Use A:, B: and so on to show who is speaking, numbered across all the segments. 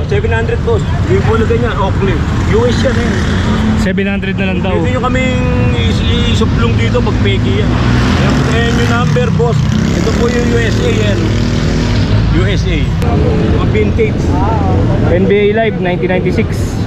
A: 700 boss. Yung pula ganyan, Oakley. US yan eh.
B: 700 na lang daw.
A: Hindi nyo kaming isuplong dito pag peki yan. Ayan yung number boss. Ito po yung USA yan. USA. Mga vintage.
B: NBA Live 1996.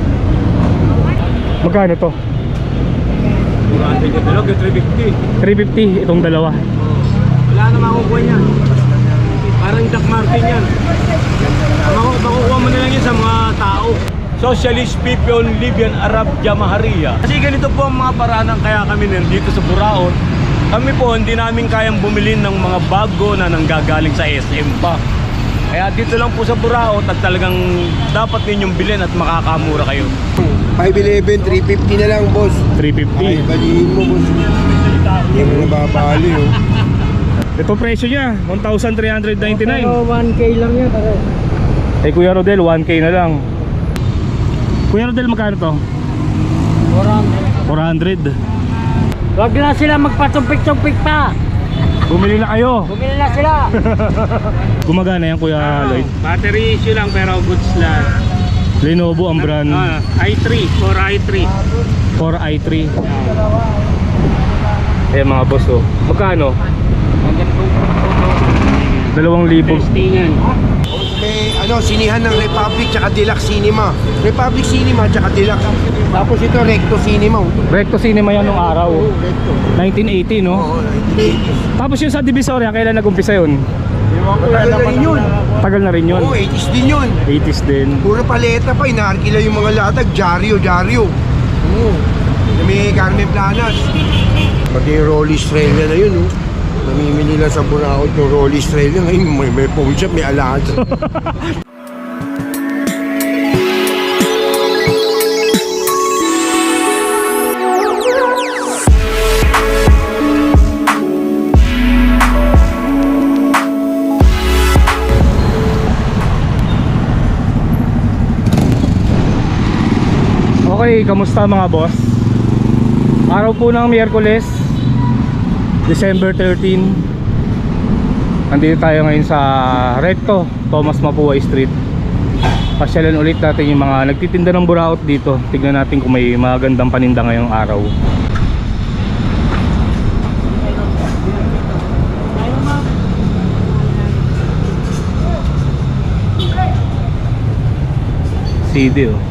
B: Magkano to?
A: Murante ka talaga, 350.
B: 350 itong dalawa.
A: Wala na makukuha niyan. Parang Doc Martin yan. Makukuha mo na lang yan sa mga tao. Socialist people, Libyan, Arab, Jamahariya. Kasi ganito po ang mga paraan kaya kami nandito sa Buraon. Kami po hindi namin kayang bumili ng mga bago na nanggagaling sa SM pa. Kaya dito lang po sa Buraon at talagang dapat ninyong bilhin at makakamura kayo.
C: 511, 350 na lang, boss.
B: 350.
C: Ay, balihin mo, boss. Hindi mo nababali, oh.
B: Ito presyo niya, 1,399.
D: Pero 1K lang yan.
B: Eh Kuya Rodel, 1K na lang. Kuya Rodel, magkano to? 400.
D: Wag na sila magpatumpik-tumpik pa.
B: Bumili na kayo.
D: Bumili na sila.
B: Gumagana yan Kuya Lloyd.
A: Battery issue lang pero goods lang.
B: Lenovo ang brand.
A: i3 or i3.
B: 4i3. Eh mga boss oh. Magkano? 2,000.
A: Testingan.
C: May, sinihan ng Republic tsaka Deluxe Cinema. Republic Cinema tsaka Deluxe. Tapos ito, Recto Cinema.
B: Recto Cinema yan nung araw.
C: Oo, Recto.
B: 1980 no?
C: Oo, 1980s.
B: Tapos yung sa Divisoria, kailan nag-umpisa yun?
C: Matagal na rin yun.
B: Tagal na rin yun.
C: Oo, 80s din yun.
B: 80s din.
C: Puro paleta pa, inaarkila yung mga latag. Jaryo. Oo. May Carmen Planas. Pati yung Rolly Estrella na yun, oh. Namimili lang sa Buraon yung Rolly Estrella. Ngayon may phone shop, may alaga.
B: Okay, kamusta mga boss? Araw po ng Miyerkules, December 13. Nandito tayo ngayon sa Recto, Tomas Mapuay Street. Pasyalan ulit natin yung mga nagtitinda ng buraot dito. Tignan natin kung may magandang paninda ngayong araw. CD oh.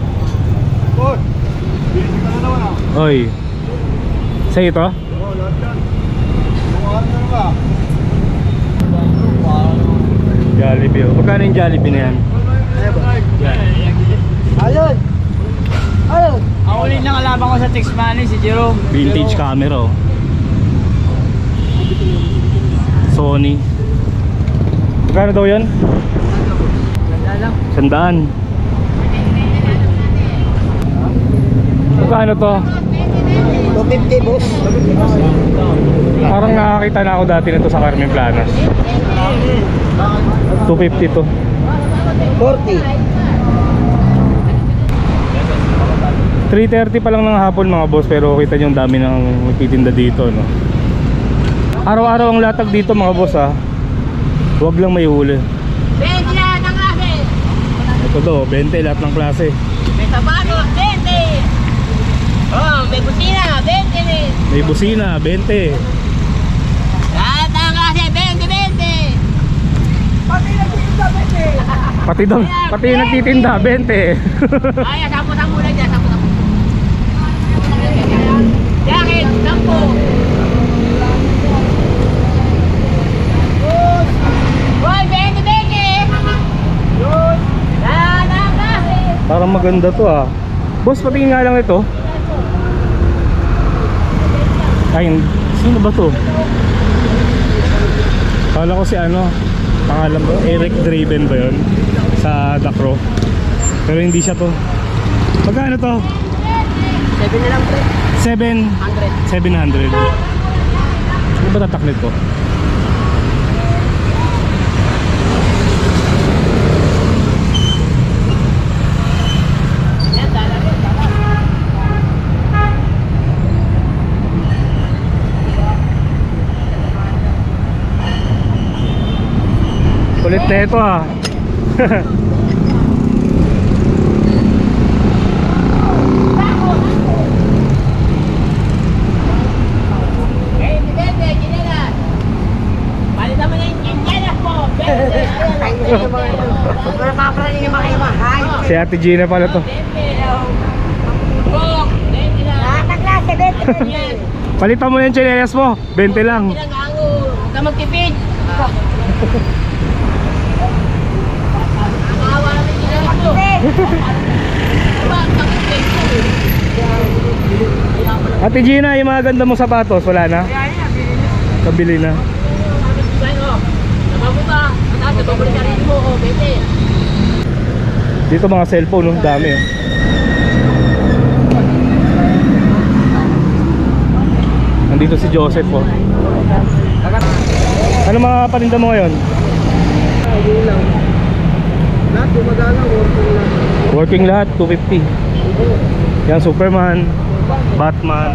B: Oy. Sa ito? Jollibee oh. Magkano yung Jollibee na yan?
D: Ayun. Ayun. Ang ulit na kalaban ko sa text money si Jerome.
B: Vintage camera oh. Sony. Magkano daw yan?
D: Ganda lang.
B: 100. Magkano to?
D: 250 boss.
B: Parang nakakita na ako dati nito sa Carmen Planas. 250 to.
D: 40.
B: 3:30 pa lang ng hapon mga boss, pero kita nyo ang dami ng nagtitinda dito no? Araw-araw ang latag dito mga boss ha. Huwag lang may huli.
E: 20 lahat ng klase.
B: Ito do, 20 lahat ng klase.
E: May sapatos, 20. Oh, may busina, 20 rin.
B: May busina, 20.
E: Lahat ng klase, 20, 20.
B: Pati yung nagtitinda, 20.
E: Ay, 10 lang dyan, 10. Jacket, 10. Hoy, 20, 20. Lahat ng klase.
B: Parang maganda to ah. Boss, patingin nga lang ito. Ay, sino ba to? Kala ko si ano, pangalan ko, Eric Draven ba yun? Sa Dacro. Pero hindi siya to. Magkano to?
D: 7 na lang pre.
B: 700. Ano ba tataklit ko? Kulit na ito ah. Si Ate Gina pala to.
E: Nakaklase, 20.
B: Palitan mo yung tsinelas mo, 20 lang.
E: Huwag ka magtipid. Nakawa namin ginagawa ko.
B: Ate Gina, yung mga ganda mong sapatos, wala na? Kabili na. Dito mga cellphone, no? Dami oh. Nandito si Joseph oh. Ano mga paninda mo ngayon?
C: Lahat gumagana,
B: Working lahat, 250. Yan, Superman, Batman.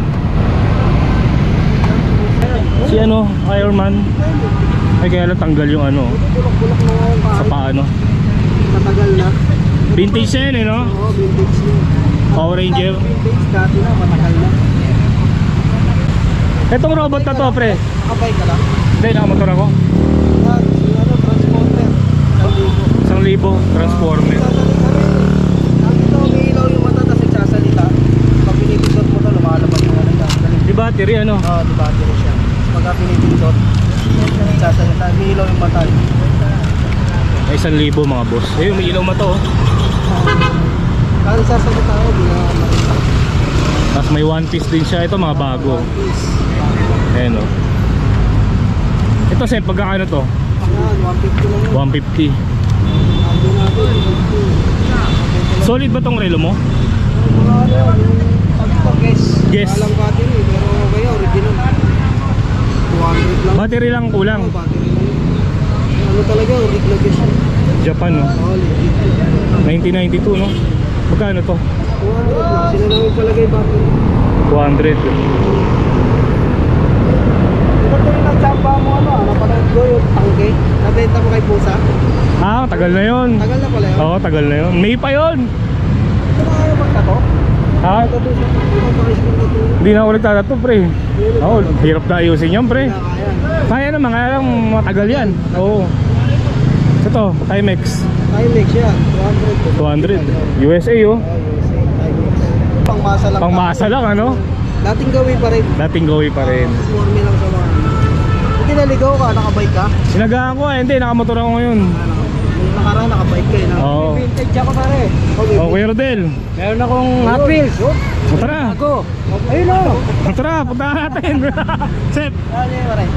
B: Si ano, Iron Man. Ay kaya lang tanggal yung ano sa paano.
C: Matagal na.
B: Vintage yan eh, no?
C: Oo, vintage na.
B: Power Ranger.
C: Vintage dati na, matagal na.
B: Etong robot na to, pre.
C: Kapay ka lang.
B: Hindi, nakamotor ako.
C: Transporter.
B: 1,000 transformer.
C: Nakita ko may ilaw yung mata, tapos nagsasalita. Pag pinipindot mo to, lumalabas yung ano ka.
B: Di battery ano?
C: Oo, di battery siya. Pagka pinipindot, nagsasalita. May ilaw yung mata.
B: Ay 1,000 mga boss. Ayun, may ilaw mata oh.
C: Kaya sasalita ako, di na makita.
B: Tapos may one piece din siya. Ito mga bago. Ayan oh. Ito sir, pagkakano to?
C: Yan, 150 lang yun.
B: 150.
C: Ando natin, 150.
B: Solid ba tong relo mo?
C: Mga ano, yung pag-guess.
B: Guess.
C: Walang battery, pero kaya original. 200 lang.
B: Battery lang kulang.
C: Oo, battery lang yun. Ano talaga, original guess yun.
B: Japan no?
C: Oo, legit.
B: 1992 no? Magkano to?
C: 200 lang. Sila namin palagay battery.
B: 200.
C: Ito yung nagsamba mo ano, napanood ko yung tangke. Nabenta mo kay Pusa.
B: Ah, tagal na yun.
C: Tagal na pala yun.
B: Oo, tagal na yun. May pa yun.
C: Ito mga ayaw magtato.
B: Ha?
C: Ito doon sa pagkakaisin ko ito.
B: Hindi na ako nagtatato pre. Oo, hirap na ayusin yan pre.
C: Kaya.
B: Kaya naman, kaya lang matagal yan. Oo. Ito, Timex.
C: Timex yan, 200.
B: 200. USA oh.
C: USA, Timex. Pangmasa lang.
B: Pangmasa lang ano?
C: Dating gawin pa rin.
B: Dating gawi pa rin.
C: Forme lang sa mga. Hindi naligaw ka, nakabike ka.
B: Sinagaan ko hindi, nakamotor ako ngayon.
C: Yung nakaraan, nakabike ka na.
B: Oo.
C: Vintage ako pare. Okay.
B: Oh, Kuya Rodel.
C: Meron akong Hot Wheels.
B: Tara.
C: Ako. Ayun o.
B: Tara, punta natin. Sep.
C: Ano yun pare?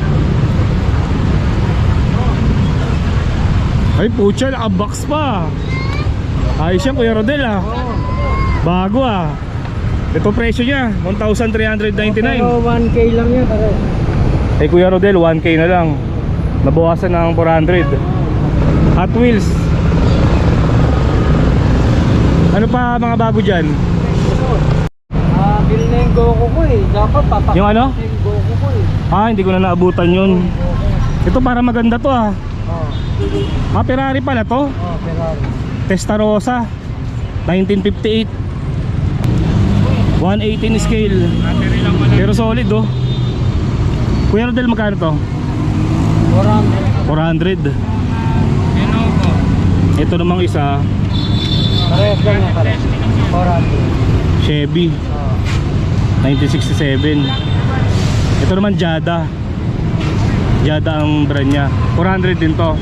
B: Ay, pucha, naka-box pa. Ayos yan, Kuya Rodel ah. Bago ah. Ito presyo niya, 1,399.
C: Pero 1K lang yan pare.
B: Eh Kuya Rodel, 1K na lang. Nabawasan ng 400. Hot Wheels. Ano pa mga bago dyan?
C: Bili na yung Goku ko eh. Dapat papak.
B: Yung ano?
C: Yung Goku ko eh.
B: Ah, hindi ko na naabutan yun. Ito para maganda to ah.
C: Oh.
B: Ferrari pala to.
C: Oh, Ferrari.
B: Testarossa 1958. 118 scale. Pero solid oh. Kuya Rodel, magkano to? 400. Ito namang isa,
C: Parehas lang yan pare. 400.
B: Chevy 1967. Ito naman Jada. Jada ang brand niya. 400 din to.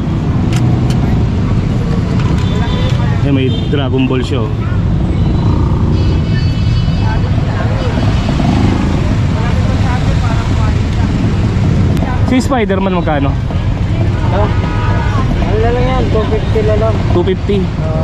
B: May Dragon Ball siya oh. Si Spider-Man magkano?
C: Ano lang yan? 250 na lang.
B: 250.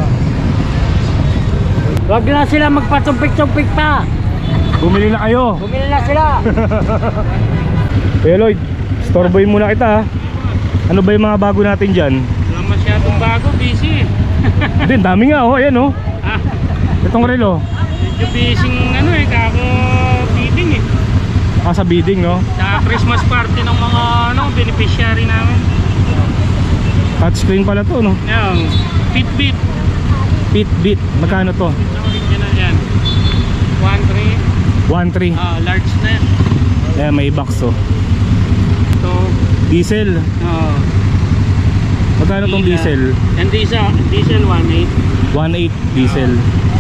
D: Wag na sila magpatumpik-tumpik pa.
B: Bumili na kayo.
D: Bumili na sila.
B: Hey Lloyd, storeboy muna kita ha. Ano ba yung mga bago natin dyan?
D: Wala masyadong bago, busy.
B: Hindi, dami nga oh, ayan oh. Itong relo.
D: Medyo busy ano eh, kako bidding eh.
B: Ah, sa bidding no?
D: Sa Christmas party ng mga ano, beneficiary namin.
B: Touchscreen pala to no?
D: Yan, Fitbit.
B: Fitbit, magkano to?
D: Original yan. 1.3.
B: 1.3.
D: Large na yan.
B: Ayan, may box oh.
D: So,
B: Diesel.
D: oh.
B: Magkano tong diesel?
D: Yan diesel 1.8.
B: 1.8 diesel.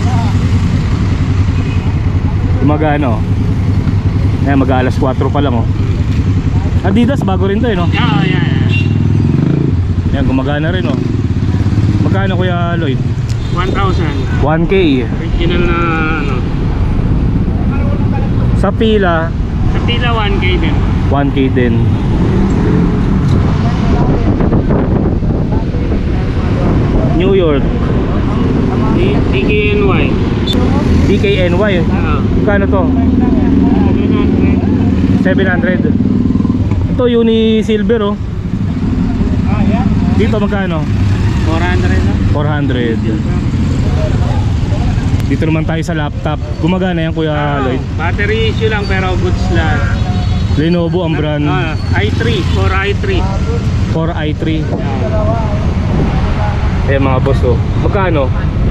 B: Gumagano. Ayan, mag-aalas 4 pa lang oh. Adidas, bago rin to eh no?
D: Oo, yan.
B: Ayan, gumagana rin oh. Magkano Kuya Lloyd?
D: 1,000.
B: 1K.
D: Original na ano.
B: Sa pila,
D: Sa pila 1K din.
B: 1K din. New York,
D: DKNY.
B: DKNY.
D: Oo.
B: Magkano to? 700. Ito uni silver oh. Dito magkano?
D: 400 na.
B: 400. Dito naman tayo sa laptop. Gumagana yan Kuya Lloyd.
D: Battery issue lang pero goods lang.
B: Lenovo ang brand.
D: i3, 4i3.
B: 4i3. Ayan mga boss oh. Magkano?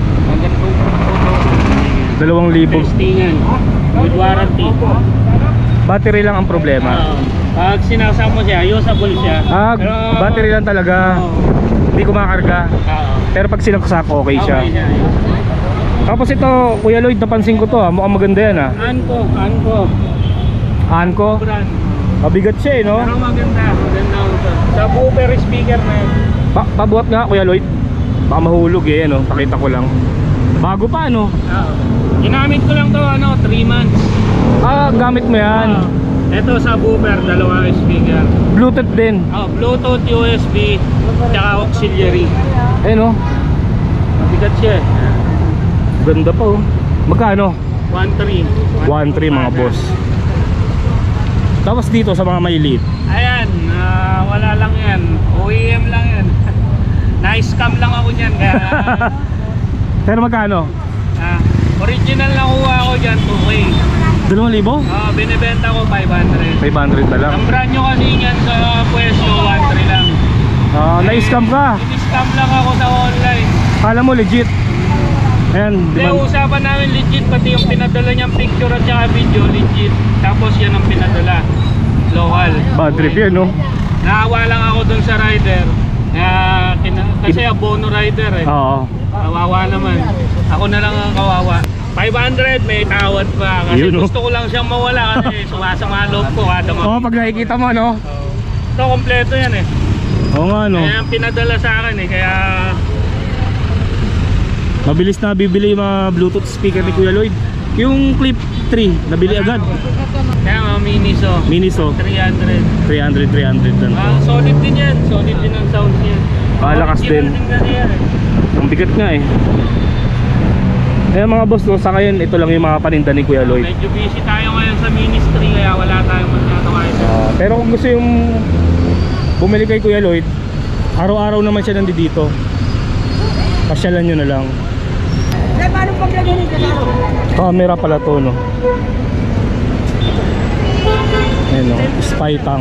B: 2,000.
D: Testingan. With warranty.
B: Battery lang ang problema.
D: Pag sinasama mo siya, usable siya. Pero,
B: Battery lang talaga. Hindi kumakarga.
D: Oo.
B: Pero pag sinaksak okay siya.
D: Okay siya.
B: Tapos ito Kuya Lloyd, napansin ko to ah. Mukhang maganda yan ah.
D: Anko.
B: Anko.
D: Brand.
B: Mabigat siya eh no?
D: Pero maganda. Maganda ito. Sa booper speaker na yun.
B: Pabuhat nga Kuya Lloyd. Baka mahulog eh ano. Pakita ko lang. Bago pa ano.
D: Oo. Ginamit ko lang to 3 months.
B: Gamit mo yan.
D: Ito sa booper, 2 speaker.
B: Bluetooth din.
D: Bluetooth, USB, tsaka auxiliary.
B: Ayun oh.
D: Mabigat siya.
B: Ganda pa oh. Magkano?
D: 1.3.
B: 1.3 mga boss. Tapos dito sa mga maliliit.
D: Ayan, wala lang yan. OEM lang yan. Na-scam lang ako dyan. Kaya,
B: Pero magkano?
D: original na kuha ako dyan, 2K.
B: 2,000?
D: Binibenta ko 500.
B: 500 na lang.
D: Ang brand nyo kasi yan sa pwesto, 1.3 lang.
B: Na-scam ka.
D: Scam lang ako sa online.
B: Kala mo legit. Ayan,
D: Hindi, usapan namin legit, pati yung pinadala niyang picture at saka video, legit. Tapos yan ang pinadala. Local.
B: bad trip yan no?
D: Naawa lang ako dun sa rider. Kasi abono rider eh.
B: Oo.
D: Kawawa naman. Ako na lang ang kawawa. 500 may tawad pa. Kasi
B: Yun, no?
D: gusto ko lang siyang mawala kasi sumasama loob ko kada
B: Oo, pag nakikita mo no?
D: Ito kompleto yan eh.
B: Oo nga no?
D: Kaya ang pinadala sa akin eh. Kaya
B: Mabilis na bibili yung mga Bluetooth speaker ni Kuya Lloyd. Yung Clip 3, nabili agad.
D: kaya mga Miniso.
B: Miniso,
D: 300.
B: 300 lang to.
D: Solid din yan. Solid din ang sound niya.
B: Malakas din.
D: Kasi yan eh.
B: Ang bigat nga eh. Kaya mga boss, no, sa ngayon ito lang yung mga paninda ni Kuya Lloyd.
D: Medyo busy tayo ngayon sa ministry kaya wala tayong magkatawa ito.
B: Pero kung gusto yung bumili kay Kuya Lloyd, araw-araw naman siya nandito. Pasyalan nyo na lang.
E: Paano paglagay nito sa
B: Camera pala to no. Ayan no, spy tank.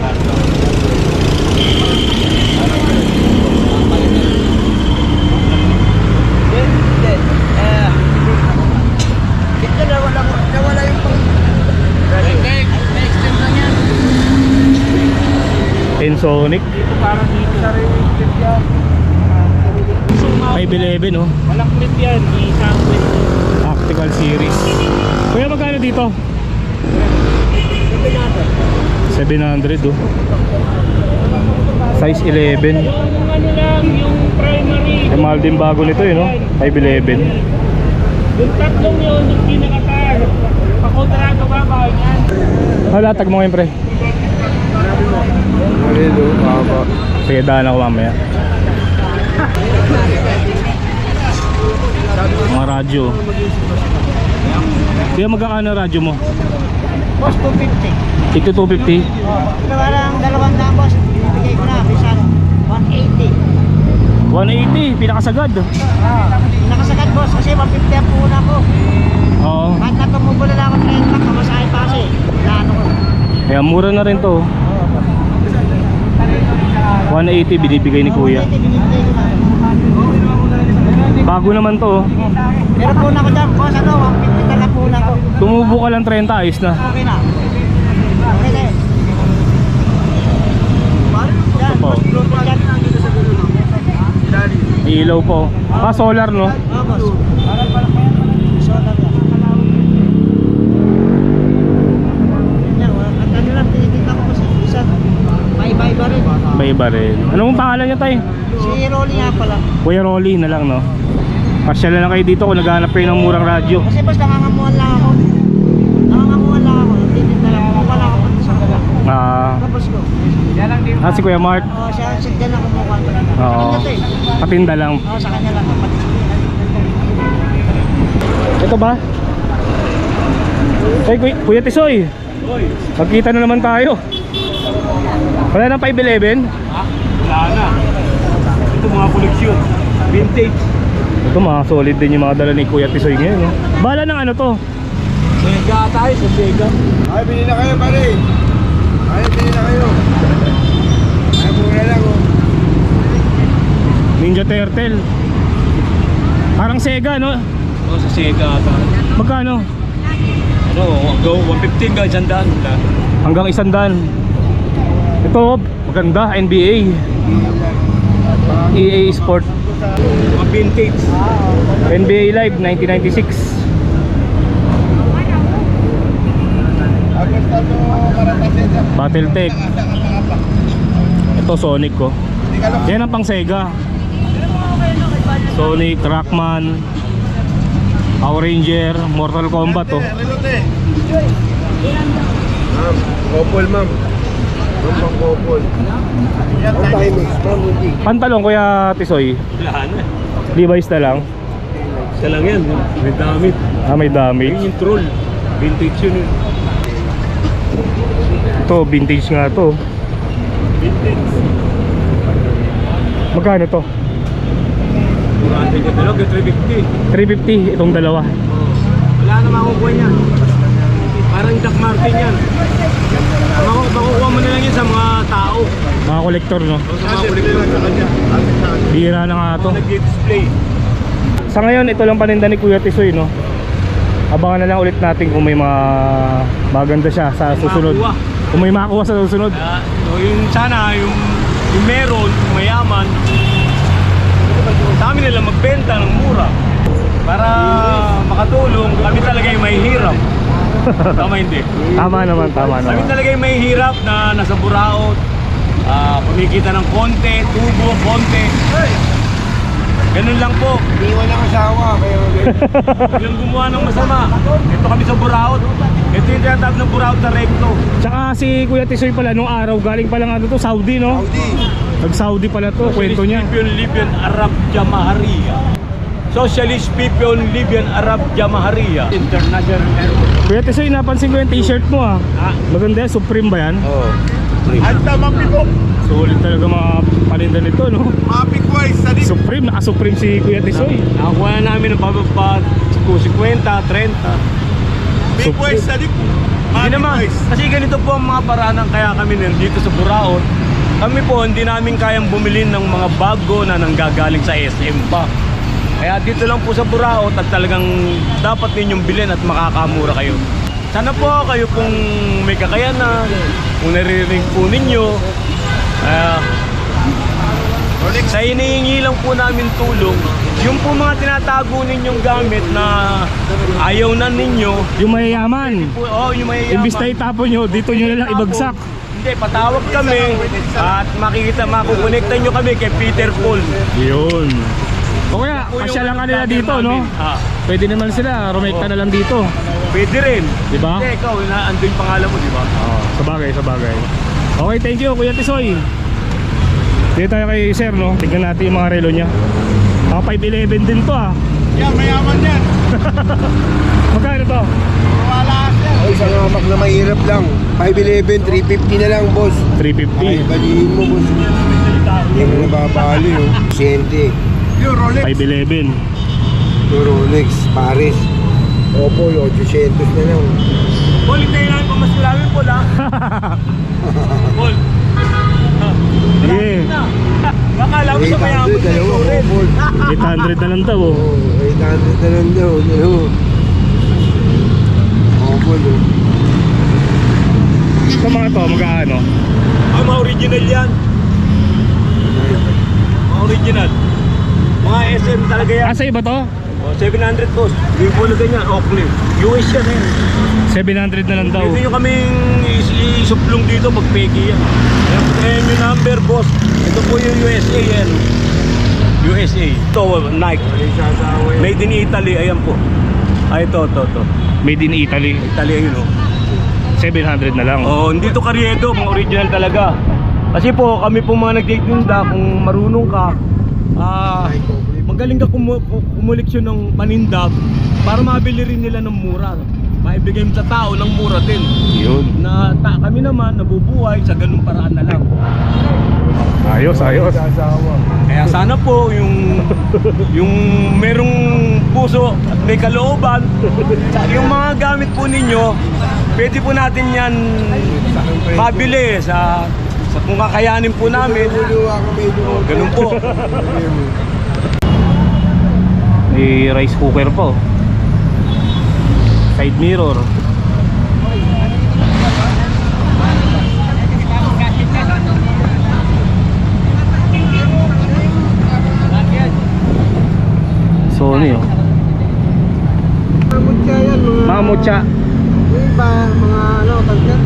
E: Ito nawala yung pang...
D: Na-extend lang yan.
B: Ensonic
D: Dito parang dito sa related yan.
B: 511 no.
D: Walang clip yan. Isang clip.
B: Tactical series. Kuya magkano dito? 700 oh. Size 11.
D: Yung ano lang, yung primary.
B: Mahal din bago nito no. 511.
D: Yung tatlong yun, yung pinakatar. Pakontrato ba ba yan?
B: Latag mo ngayon pre.
C: Marido, baba.
B: Sige, daan ako mamaya. Mga radyo. Kaya magkakano radyo mo?
E: Boss, 250.
B: Ito 250.
E: Parang 200 boss. Binibigay ko na. Bisan 180.
B: 180, pinakasagad.
E: Nakasagad boss kasi 150 ang puuna ko.
B: Oo.
E: Kahit na tumubula lang ako 30, kamasahin pa kasi. Plano ko.
B: Kaya mura na rin to. 180 binibigay ni Kuya.
E: Binibigay ko na.
B: Bago naman to.
E: Pero puna ko dyan boss, 150 na puna ko.
B: Tumubo ka lang 30, ayos na.
E: Okay na. Okay na yun. Yan,
B: po.
E: boss, Bluetooth yan.
B: Ilaw po. Ah, solar no?
E: Boss. Solar yan. Yan, at ano lang, tinitignan ko kasi isa, iba-iba rin.
B: Iba-iba rin. Anong pangalan niya tay?
E: Si Rolly nga pala.
B: Kuya Rolly na lang no? Pasyal na lang kayo dito kung naghahanap kayo ng murang radyo.
E: Kasi boss, nangangamuhan lang ako. Nangangamuhan lang ako. Titinda lang ako. Wala ako pati sa kanya. Tapos ko.
B: Si Kuya Mark.
E: Siya dyan ako mukha ko.
B: Oo.
E: Sa kanya to eh.
B: Patinda lang.
E: Sa kanya lang.
B: Ito ba? Ay, Kuya Tisoy. Magkita na naman tayo. Wala nang 511?
A: Wala na. Ito mga koleksyon. Vintage.
B: Ito mga solid din yung mga dala ni Kuya Tisoy ngayon. No? Bala ng ano to?
A: Sega tayo sa Sega.
C: Ay, bili na kayo, pare. Ay, bili na kayo. Ay, mura lang, oh.
B: Ninja Turtle. Parang Sega no?
A: O sa Sega ata.
B: Magkano?
A: Ano, go 115 ka, jandaan.
B: Hanggang 100. Ito, maganda, NBA. EA Sport.
A: Mga vintage.
B: NBA Live 1996. Battletech. Ito Sonic ko. Yan ang pang Sega. Sonic, Trackman, Power Ranger, Mortal Kombat oh.
C: Ma'am, couple, ma'am. Ma'am, pang couple. Ang Timex, ma'am, hindi.
B: Pantalon Kuya Tisoy.
A: Wala na.
B: Levi's na lang.
A: Isa lang yan. May damit.
B: Ah, may
A: Yun
B: damage.
A: yung troll. Vintage yun.
B: Ito, vintage nga to. Magkano to?
A: Murante ka talaga, 350.
B: 350 itong dalawa.
A: Wala na makukuha niyan. Parang Jack Martin yan. Makukuha mo na lang yan sa mga tao.
B: Mga kolektor no.
A: O sa mga kolektor sa kanya.
B: Bira na nga to.
A: Mga nag-display.
B: Sa ngayon, ito lang paninda ni Kuya Tisoy no. Abangan na lang ulit natin kung may mga maganda siya sa susunod.
A: Makuha.
B: Kung may makuha sa susunod.
A: So yung sana, yung meron, yung mayaman, sa amin nila magbenta ng mura. Para makatulong, kami talaga yung mahihirap. Tama hindi?
B: Tama naman, tama
A: Kami
B: naman.
A: talaga yung mahihirap na nasa buraot, kumikita ng konti, tubo, konti. Ganun lang po.
C: Hindi walang asawa, kayo.
A: Yung gumawa ng masama. Ito kami sa buraot. Ito yung tinatawag ng buraot na recto.
B: Tsaka si Kuya Tisoy pala nung araw, galing pala nga to Saudi no?
C: Saudi.
B: Nag-Saudi pala to, kwento niya.
A: Socialist People Libyan Arab Jamahariya. Socialist People Libyan Arab Jamahariya. International Airport.
B: Kuya Tisoy, napansin ko yung t-shirt mo ah.
A: Ah,
B: Maganda yan, Supreme ba yan?
C: Oo.
A: Anta mapito.
B: Solid talaga mga paninda nito no?
C: Mapik-wise, sa
B: Supreme, naka-Supreme si Kuya Tisoy.
A: Nakakuha na namin ng pababa 50, 30.
B: Supreme.
A: Hindi naman. Kasi ganito po ang mga paraan ng kaya kami nandito sa Buraot. Kami po hindi namin kayang bumili ng mga bago na nanggagaling sa SM pa. Kaya dito lang po sa Buraot at talagang dapat ninyong bilhin at makakamura kayo. Sana po kayo pong may kakayanan, kung naririnig po ninyo, sa hinihingi lang po namin tulong, yung po mga tinatago ninyong gamit na ayaw na ninyo,
B: Yung mayayaman.
A: yung mayayaman.
B: Imbis na itapon nyo, dito nyo na lang ibagsak.
A: Hindi, patawag kami at makukonekta nyo kami kay Peter Paul.
B: Yun. O kaya, pasya lang kanila dito, no? Pwede naman sila, rumekta na lang dito.
A: Pwede rin.
B: Diba?
A: Hindi, ikaw, ando yung pangalan mo, di ba?
B: Oo, sa bagay, sa bagay. Okay, thank you, Kuya Tisoy. Dito tayo kay Sir, no? Tignan natin yung mga relo niya. Mga 511 din to, ah.
C: Yan, mayaman yan.
B: Magkano to?
C: Ay, isang hamak na mahirap lang. 511, 350 na lang, boss.
B: 350.
C: Ay, balihin mo, boss. Hindi mo nababali, oh. Siyente.
B: 511.
C: Yung Rolex, Paris. Opo, 800 na lang.
A: Paul, hintayin namin pa mas marami, Paul, ha? Paul.
B: Sige.
A: Baka alam mo sa mayaman
C: 800, dalawa,
A: rin.
C: opo.
B: 800 na lang daw, oh.
C: Oo, 800 na lang daw. Dalawa. Opo, no.
B: Sa mga to, magkano?
A: Mga original yan. Mga original. Mga SM talaga yan.
B: Asa iba to?
A: Oh, 700 boss. Yung puno ganyan, Oakley. US yan eh.
B: 700 na lang daw.
A: Pwede nyo kaming isuplong dito pag peki yan. Ayan yung number boss. Ito po yung USA yan. USA. Ito, Nike. Made in Italy, ayan po. Ay, ito.
B: Made in Italy.
A: Italy, ayun o.
B: 700 na lang.
A: Oh, hindi to karyedo, mga original talaga. Kasi po, kami po mga nagtitinda, kung marunong ka, magaling ka kumuleksyon ng paninda para mabili rin nila ng mura. Maibigay mo sa tao ng mura din.
B: Yun.
A: Kami naman nabubuhay sa ganung paraan na lang.
B: Ayos.
A: Kaya sana po yung merong puso at may kalooban, yung mga gamit po ninyo, pwede po natin yan mabili sa kung kakayanin po namin. Ganun po.
B: May rice cooker po. Side mirror. Sony oh.
E: Mutya yan,
B: Mga mutya.
E: yung iba, mga ano, kalyan.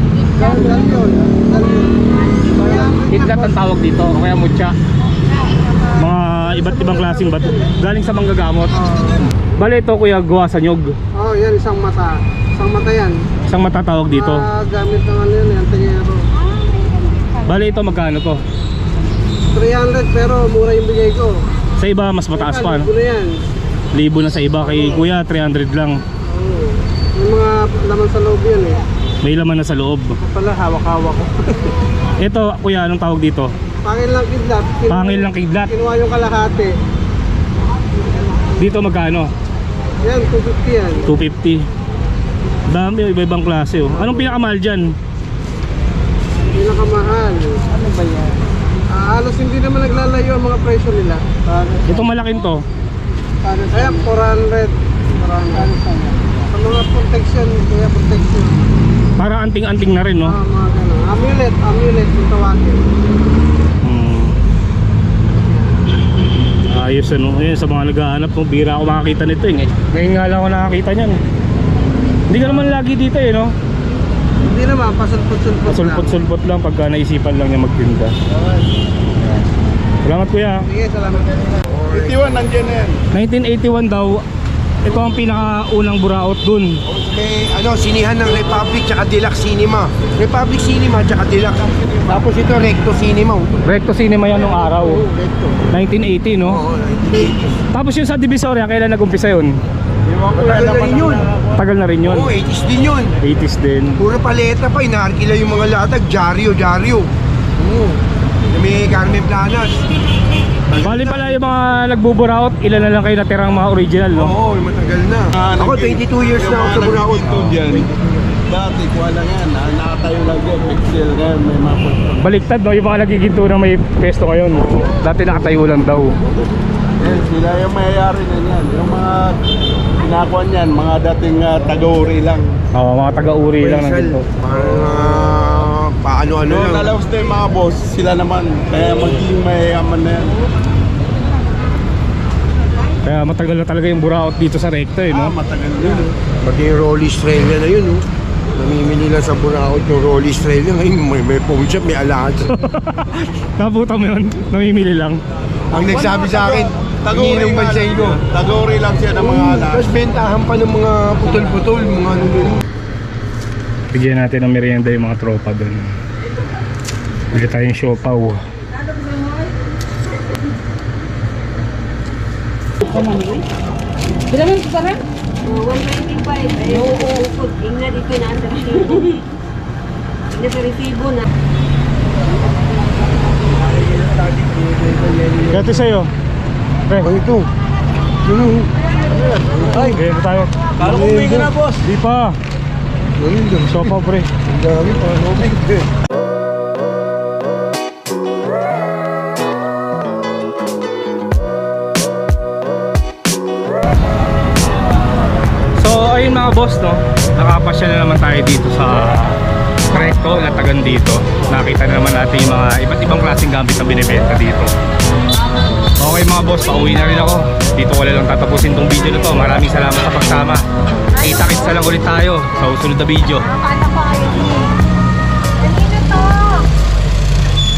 B: Kidlat ang tawag dito, o kaya mutya. Mga iba't ibang klaseng bato. Galing sa manggagamot. Bale ito kuya, gawa sa nyog.
E: Oh, yan, isang mata. Isang mata yan.
B: Isang matatawag dito.
E: Gamit ng ano yan, yung tingero.
B: Bale ito magkano to?
E: 300 pero mura yung bigay ko.
B: Sa iba mas mataas pa no?
E: Libo na yan.
B: Libo na sa iba, kay kuya 300 lang.
E: Oo. May mga laman sa loob yan eh.
B: May laman na sa loob.
E: Ako pala, hawak-hawak ko.
B: Ito kuya, anong tawag dito?
E: Pangil lang kidlat.
B: Pangil lang kidlat.
E: Kinuha yung kalahati.
B: Dito magkano?
E: Yan, 250 yan.
B: 250. Dami, iba-ibang klase oh. Anong pinakamahal dyan?
E: Pinakamahal. Ano ba yan? Halos hindi naman naglalayo ang mga presyo nila.
B: Itong malaking to.
E: Kaya 400. Sa mga protection, kaya protection.
B: Para anting-anting na rin no?
E: Mga ganun. Amulet yung tawagin.
B: Ayos ano, yun sa mga naghahanap ng bira ako makakita nito eh. Ngayon nga lang ako nakakita niyan. Hindi ka naman lagi dito eh no?
E: Hindi naman, pasulpot-sulpot lang.
B: Sulpot-sulpot lang pagka naisipan lang niya magtinda. Salamat kuya.
E: Sige, salamat.
C: 81 nandiyan na yan.
B: 1981 daw, ito ang pinakaunang buraot dun.
C: May sinihan ng Republic tsaka Deluxe Cinema. Republic Cinema tsaka Deluxe. Tapos ito Recto Cinema.
B: Recto Cinema yan nung araw.
C: Recto.
B: 1980 no?
C: Oo, 1980.
B: Tapos yung sa Divisoria, kailan nag-umpisa yun?
C: Tagal na rin yun.
B: Tagal na rin yun.
C: Oo, 80s din yun.
B: 80s din.
C: Puro paleta pa, inaarkila yung mga latag. Jaryo. Oo. May Carmen Planas.
B: Bali pala yung mga nagbuburaot, ilan na lang kayo natirang mga original no?
C: Oo, matagal na. Ako 22 years na ako sa Buraot.
F: Dati, kuha lang yan. Nakatayo lang yan. Pixel ngayon, may mapot.
B: Baliktad no, yung mga nagiginto na may pesto ngayon. Dati nakatayo lang daw.
F: Yan, sila yung mayayari na yan. Yung mga pinakuha niyan, mga dating taga-uri lang.
B: Oo, mga taga-uri lang ng ginto.
C: Parang paano-ano
F: Noong
C: lang.
F: nalawas na yung mga boss, sila naman. Kaya magiging mayayaman na yan.
B: Kaya matagal na talaga yung buraot dito sa Recto eh no?
F: Matagal yan.
C: Pati yung Rolly Australia na yun, namimili lang sa Buraot yung Rolly Australia. Ngayon may phone shop, may alahas.
B: Nabutan mo yun, namimili lang.
C: Ang nagsabi sa akin, ininom ba sa inyo?
F: Taga-uri lang siya ng mga alas.
C: Tapos bentahan pa ng mga putol-putol, mga ano yun.
B: Bigyan natin ng merienda yung mga tropa doon. Bigyan tayong siopaw.
G: Bila man sekarang? 125. Ay, uukot. Ingna dito na ang resibo. Ingna sa resibo na.
B: Gati sa'yo. Pre,
C: Ano ito? Ano?
B: ay, ganyan tayo.
A: Kala ko uwi ka na boss.
B: Di pa.
C: Ano yun?
B: Siopaw pre.
C: Ang dami pa.
B: So ayun mga boss no, nakapasya na naman tayo dito sa Recto, Latagan dito. Nakita na naman natin yung mga iba't ibang klaseng gamit na binibenta dito. Okay mga mga boss, pauwi na rin ako. Dito ko lang tatapusin tong video na to. Maraming salamat sa pagsama. Kita-kits na lang ulit tayo sa susunod na video.
G: Akala ko ayaw